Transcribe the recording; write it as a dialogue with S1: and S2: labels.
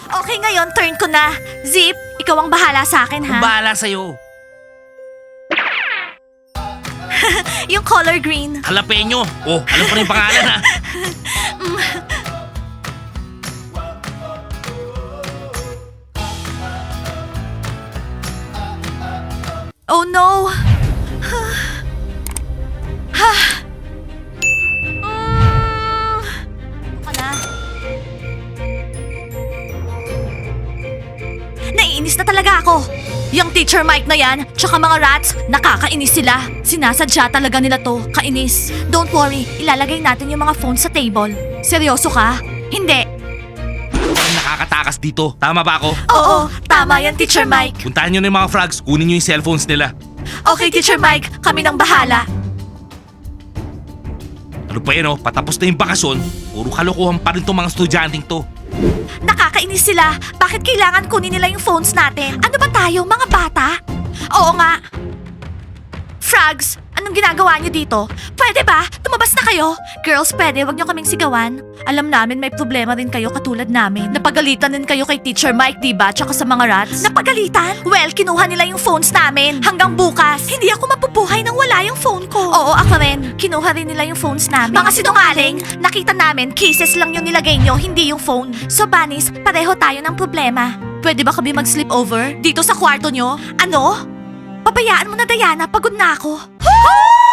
S1: Okay, ngayon turn ko na. Zip, ikaw ang bahala sa akin, ha?
S2: Bahala sa'yo.
S1: Yung color green.
S2: Jalapeno. Oh, alam ko na yung pangalan ha.
S1: Oh no! Ano na? Naiinis na talaga ako. Yung teacher Mike na yan, tsaka mga rats, nakakainis sila. Sinasadya talaga nila to, kainis. Don't worry, ilalagay natin yung mga phones sa table. Seryoso ka? Hindi.
S2: Parang nakakatakas dito. Tama ba ako?
S1: Oo, tama yan, Teacher Mike.
S2: Puntahan nyo na yung mga frogs. Kunin nyo yung cellphones nila.
S1: Okay, Teacher Mike, kami nang bahala.
S2: Ano pa yan oh? Patapos na yung bakasyon. Puro kalokohan pa rin tong mga estudyanteng to.
S1: Nakakainis sila. Bakit kailangan kunin nila yung phones natin? Ano ba tayo, mga bata? Oo nga. Frogs, anong ginagawa niyo dito? Pwede ba? Tumabas na kayo? Girls, pwede, wag niyo kaming sigawan. Alam namin may problema rin kayo katulad namin. Napagalitan din kayo kay Teacher Mike, diba? Tsaka sa mga rats. Napagalitan? Well, kinuha nila yung phones namin. Hanggang bukas. Hindi ako mapubuhay nang wala yung phone ko. Oo, ako rin. Kinuha rin nila yung phones namin. Mga sinungaling, nakita namin, cases lang yung nilagay nyo, hindi yung phone. So, Bunnies, pareho tayo ng problema. Pwede ba kami mag-sleep over? Dito sa kwarto nyo? Ano? Pabayaan mo na, Diana. Pagod na ako.